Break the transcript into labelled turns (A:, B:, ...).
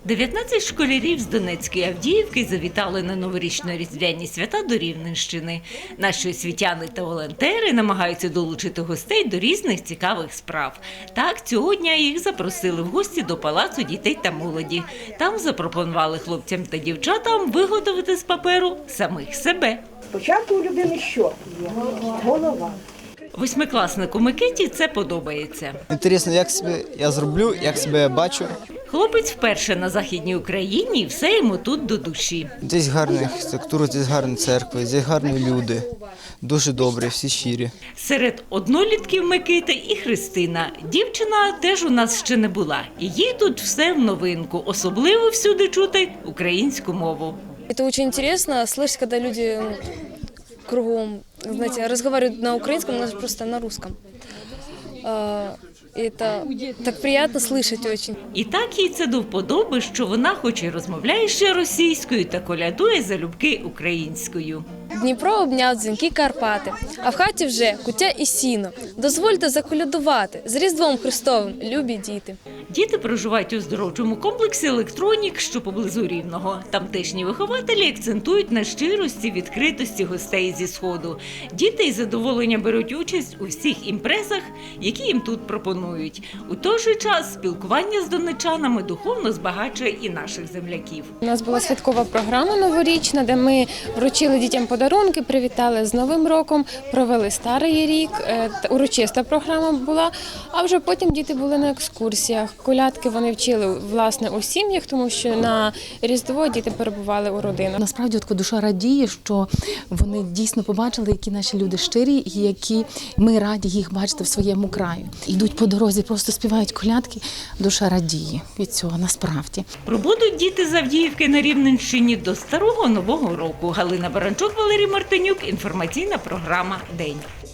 A: 19 школярів з Донецької Авдіївки завітали на новорічно-різдвяні свята до Рівненщини. Наші освітяни та волонтери намагаються долучити гостей до різних цікавих справ. Так, цього дня їх запросили в гості до Палацу дітей та молоді. Там запропонували хлопцям та дівчатам виготовити з паперу самих себе.
B: Спочатку у людини що є? Голова.
A: Восьмикласнику Микиті це подобається.
C: Інтересно, як себе я зроблю, як себе я бачу.
A: Хлопець вперше на Західній Україні і все йому тут до душі.
C: Здесь гарна архітектура, здесь гарні церкви, здесь гарні люди. Дуже добрі, всі щирі.
A: Серед однолітків Микита і Христина. Дівчина теж у нас ще не була. І їй тут все в новинку. Особливо всюди чути українську мову.
D: Это очень интересно слышать, когда люди кругом, знаете, разговаривают на украинском, у нас просто на русском. Это так приятно слышать очень.
A: І так їй це до вподоби, що вона хоч і розмовляє ще російською та колядує залюбки українською.
D: Дніпро обняв дзвінки Карпати, а в хаті вже куття і сіно. Дозвольте заколядувати з Різдвом Христовим, любі діти.
A: Діти проживають у оздоровчому комплексі «Електронік», що поблизу Рівного. Тамтешні вихователі акцентують на щирості, відкритості гостей зі Сходу. Діти із задоволенням беруть участь у всіх імпрезах, які їм тут пропонують. У той же час спілкування з донеччанами духовно збагачує і наших земляків.
E: У нас була святкова програма новорічна, де ми вручили дітям подарунки, привітали з Новим роком, провели Старий рік, урочиста програма була, а вже потім діти були на екскурсіях. Колядки вони вчили, власне, у сім'ях, тому що на Різдво діти перебували у родинах.
F: Насправді, душа радіє, що вони дійсно побачили, які наші люди щирі і які ми раді їх бачити в своєму краї. Йдуть по дорозі, просто співають колядки, душа радіє від цього, насправді.
A: Пробудуть діти з Авдіївки на Рівненщині до Старого Нового року. Галина Баранчук, Валерій Мартинюк. Інформаційна програма «День».